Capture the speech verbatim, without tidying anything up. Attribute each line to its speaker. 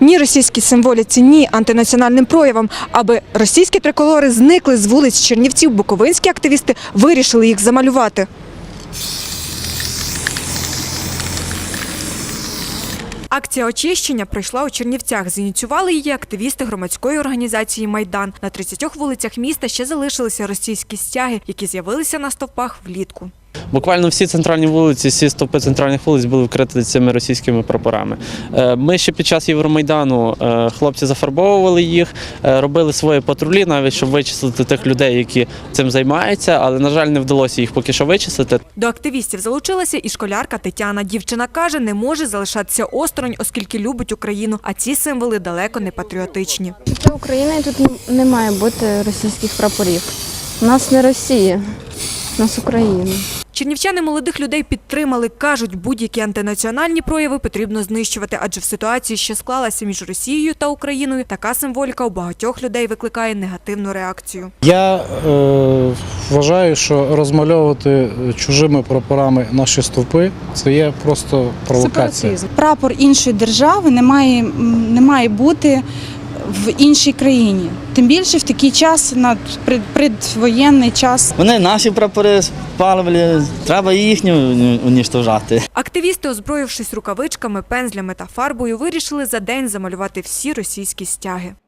Speaker 1: ні російській символіці, ні антинаціональним проявам. Аби російські триколори зникли з вулиць Чернівців, буковинські активісти вирішили їх замалювати. Акція очищення пройшла у Чернівцях. Зініціювали її активісти громадської організації «Майдан». На тридцятьох вулицях міста ще залишилися російські стяги, які з'явилися на стовпах влітку.
Speaker 2: Буквально всі центральні вулиці, всі стовпи центральних вулиць були вкриті цими російськими прапорами. Ми ще під час Євромайдану, хлопці зафарбовували їх, робили свої патрулі, навіть щоб вичислити тих людей, які цим займаються, але, на жаль, не вдалося їх поки що вичислити.
Speaker 1: До активістів залучилася і школярка Тетяна. Дівчина каже, не може залишатися осторонь, оскільки любить Україну, а ці символи далеко не патріотичні.
Speaker 3: Для України тут не має бути російських прапорів. У нас не Росія, у нас Україна.
Speaker 1: Чернівчани молодих людей підтримали. Кажуть, будь-які антинаціональні прояви потрібно знищувати, адже в ситуації, що склалася між Росією та Україною, така символіка у багатьох людей викликає негативну реакцію.
Speaker 4: Я е, вважаю, що розмальовувати чужими прапорами наші стовпи – це є просто провокація.
Speaker 5: Прапор іншої держави не має, не має бути в іншій країні. Тим більше в такий час, на предвоєнний час.
Speaker 6: Вони наші прапори спалювали, треба їхні уніштожати.
Speaker 1: Активісти, озброївшись рукавичками, пензлями та фарбою, вирішили за день замалювати всі російські стяги.